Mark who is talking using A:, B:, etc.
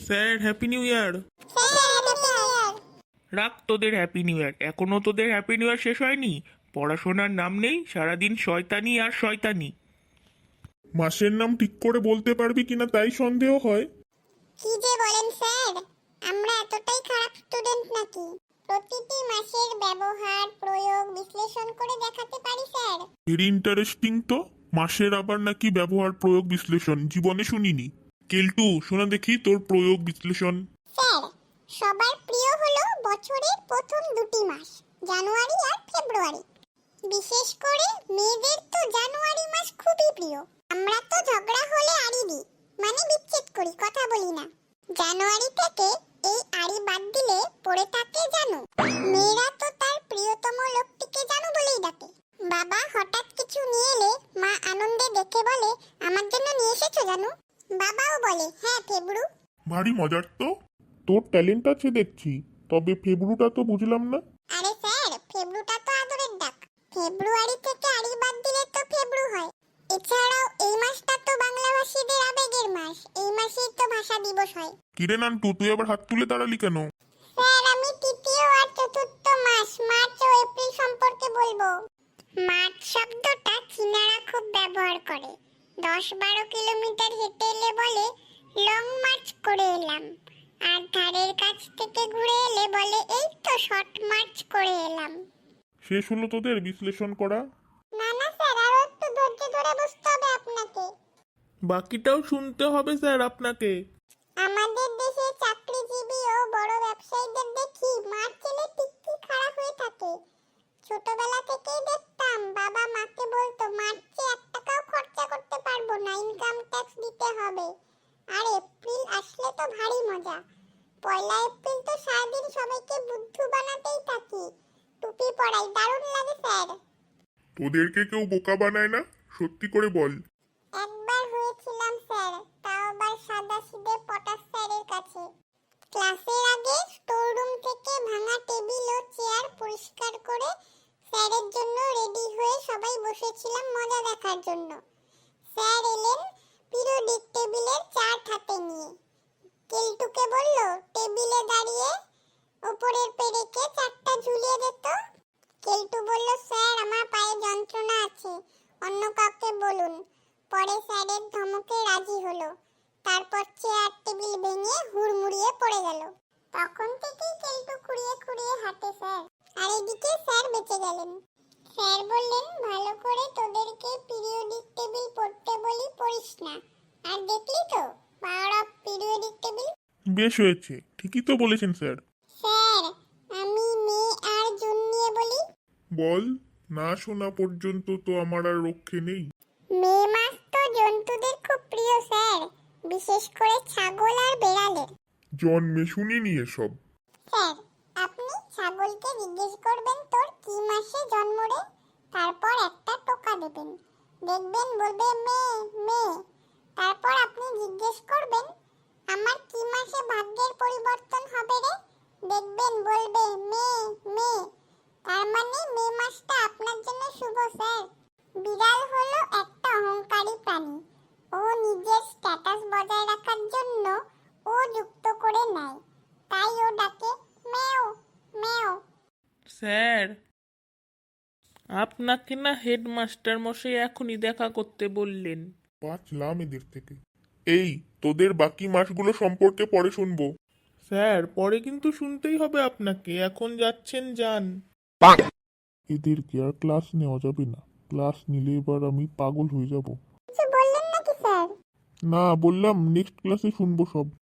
A: Sir happy new year. রাখ তোদের happy new year, এখনো তোদের হ্যাপি নিউ ইয়ার শেষ হয়নি। পড়াশোনার নাম নেই, সারাদিন শয়তানি আর শয়তানি।
B: মাসের নাম ঠিক করে বলতে পারবি কিনা তাই সন্দেহ হয়।
C: কি যে বলেন স্যার, আমরা এতটাই খারাপ স্টুডেন্ট নাকি? প্রতিটি মাসের ব্যবহার প্রয়োগ বিশ্লেষণ করে দেখাতে পারি স্যার।
B: ভেরি ইন্টারেস্টিং তো। মাসের আবার নাকি ব্যবহার প্রয়োগ বিশ্লেষণ, জীবনে শুনিনি। কেলটু শোনা দেখি তোর প্রয়োগ বিশ্লেষণ।
C: স্যার, সবার প্রিয় হলো বছরের প্রথম দুটি মাস, জানুয়ারি আর ফেব্রুয়ারি। বিশেষ করে মেয়েদের তো জানুয়ারি মাস খুবই প্রিয়। আমরা তো ঝগড়া হলে আড়ি দিই, মানে বিচ্ছেদ করি, কথা বলি না। জানুয়ারি থেকে এই আড়ি বাদ দিলে পড়ে থাকে জানু। মেয়েরা তো তার প্রিয়তম লোকটিকে জানু বলেই ডাকে। বাবা হঠাৎ কিছু নিয়ে এলে মা আনন্দে দেখে বলে, আমার জন্য নিয়ে এসেছো জানু? বাবাও বলে, হ্যাঁ ফেব্রু।
B: ভারী মজার তো। তোর ট্যালেন্ট আছে দেখছি, তবে ফেব্রুটা তো বুঝলাম না।
C: আরে স্যার, ফেব্রুটা তো আদরের ডাক। ফেব্রুয়ারি থেকে আড়ি বাদ দিলে তো ফেব্রু হয়। এছাড়াও এই মাসটা তো বাংলাভাষীদের আবেগের মাস, এই মাসেই তো ভাষা দিবস হয়।
B: কিরে নান্টু, তুই আবার হাত তুলে দাঁড়ালি কেন?
C: স্যার, আমি তৃতীয় আর চতুর্থ মাস মার্চ ও এপ্রিল সম্পর্কে বলবো। মার্চ শব্দটা চীনারা খুব ব্যবহার করে। 10-12 কিলোমিটার হেঁটে এলে বলে লং মার্চ করে এলাম, আর ধারের কাছ থেকে ঘুরে এলে বলে এই তো শর্ট মার্চ করে এলাম।
B: শেষ হলো তোদের বিশ্লেষণ করা?
C: না না স্যার, আরো একটু ধৈর্য ধরে বসতে হবে আপনাকে।
A: বাকিটাও শুনতে হবে স্যার আপনাকে।
C: আমাদের দেশে চাকরিজীবী ও বড় ব্যবসায়ীদের দেখি মার্চ এলে টিকটি খারাপ হয়ে থাকে। ছোটবেলা থেকেই দেখতাম বাবা মাকে বলতো মার্চে 1 টাকাও খরচা করতে পারবো না, ইনকাম ট্যাক্স দিতে হবে। আর এপ্রিল আসলে তো ভারী মজা। 1 এপ্রিল তো সারাদিন সবাইকে বুদ্ধু বানাতেই থাকি, টুপি পরাই, দারুণ লাগে স্যার।
B: তোদেরকে কেউ বোকা বানায় না? সত্যি করে বল।
C: একবার হয়েছিলাম স্যার, তাও আবার সাদাসিধে পটাশ স্যারের কাছে। ক্লাসের আগে স্টোররুম থেকে ভাঙা টেবিল ও চেয়ার পরিষ্কার করে স্যারের জন্য রেডি হয়ে সবাই বসেছিলাম মজা দেখার জন্য। স্যার এলেন পিরিয়ডিক টেবিলের চার্ট হাতে নিয়ে। কেলটুকে বলল টেবিলে দাঁড়িয়ে উপরের পেরেকে চারটা ঝুলিয়ে দিত। কেলটু বলল, স্যার আমার পায়ে যন্ত্রণা আছে, অন্য কাউকে বলুন। পরে স্যারের ধমকে রাজি হলো। তারপর চেয়ার টেবিল ভেঙে হুড়মুড়িয়ে পড়ে গেল। তখন থেকেই কেলটু খুঁড়িয়ে খুঁড়িয়ে হাঁটে স্যার। আর এদিকে স্যার বেঁচে গেলেন। স্যার বললেন, ভালো করে তোদেরকে পিরিয়ডিক টেবিল পড়তে বলি, পড়িস না। আর দেখলি তো পাওয়ার অফ পিরিয়ডিক টেবিল।
B: বেশ হয়েছে, ঠিকই তো বলেছেন স্যার।
C: স্যার, আমি মে আর জুন নিয়ে বলি।
B: বল। না শোনা পর্যন্ত তো আমার আর রক্ষে নেই।
C: মে মাস তো জন্তুদের খুব প্রিয় স্যার, বিশেষ করে ছাগল আর বেড়ালের।
B: জন্মে শুনিনি এসব।
C: স্যার, আপনি ছাগলকে জিজ্ঞেস করবেন তোর কি মাসে জন্ম রে, তারপর একটা টোকা দেবেন, দেখবেন বলবে মে মে। তারপর আপনি জিজ্ঞেস করবেন আমার কি মাসে ভাগ্যের পরিবর্তন হবে রে, দেখবেন বলবে মে মে। তার মানে মে মাসটা আপনার জন্য শুভ স্যার। বিড়াল হলো একটা অহংকারী প্রাণী। ও নিজের স্ট্যাটাস বজায় রাখার জন্য ও যুক্ত করে নেয়, তাই ও ডাকে মেও মেও।
A: স্যার, আপনাকে না হেডমাস্টার মশাই এখনই দেখা করতে বললেন।
B: বাঁচলাম এদের থেকে। এই, তোদের বাকি মাসগুলো সম্পর্কে পরে শুনবো।
A: স্যার পরে কিন্তু শুনতেই হবে আপনাকে, এখন যাচ্ছেন যান।
B: এদেরকে আর ক্লাস নেওয়া যাবে না। ক্লাস নিলে এবার আমি পাগল হয়ে যাব।
C: কিছু বললেন নাকি স্যার?
B: না, বললাম নেক্সট ক্লাসে শুনবো সব।